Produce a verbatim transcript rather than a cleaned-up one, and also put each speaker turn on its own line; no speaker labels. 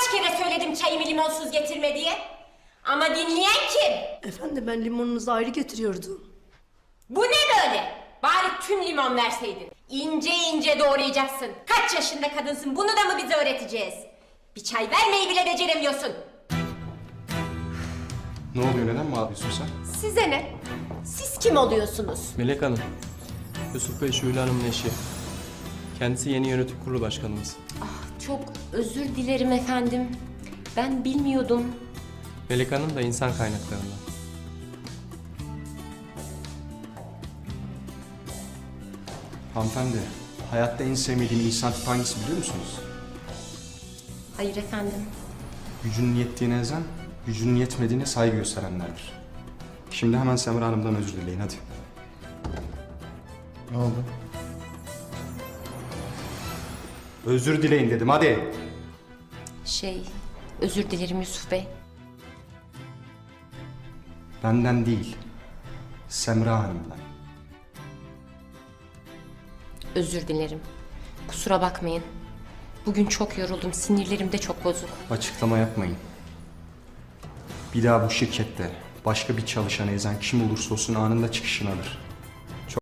Kaç kere söyledim çayımı limonsuz getirme diye. Ama dinleyen kim?
Efendim ben limonunuzu ayrı getiriyordum.
Bu ne böyle? Bari tüm limon verseydin. İnce ince doğrayacaksın. Kaç yaşında kadınsın, bunu da mı bize öğreteceğiz? Bir çay vermeyi bile beceremiyorsun.
Ne oluyor, neden mi ağlıyorsun sen?
Size ne? Siz kim oluyorsunuz?
Melek Hanım, Yusuf Bey Şule Hanım'ın eşi. Kendisi yeni yönetim kurulu başkanımız.
Ah, çok özür dilerim efendim. Ben bilmiyordum.
Melek Hanım da insan kaynaklarından.
Hanımefendi, hayatta en sevmediğim insan tipi hangisi biliyor musunuz?
Hayır efendim.
Gücünün yettiğine ezen, gücünün yetmediğine saygı gösterenlerdir. Şimdi hemen Semra Hanım'dan özür dileyin, hadi. Ne oldu? Özür dileyin dedim, hadi.
Şey, özür dilerim Yusuf Bey.
Benden değil, Semra Hanım'dan.
Özür dilerim. Kusura bakmayın. Bugün çok yoruldum, sinirlerim de çok bozuk.
Açıklama yapmayın. Bir daha bu şirkette başka bir çalışanı ezen kim olursa olsun anında çıkışını alır.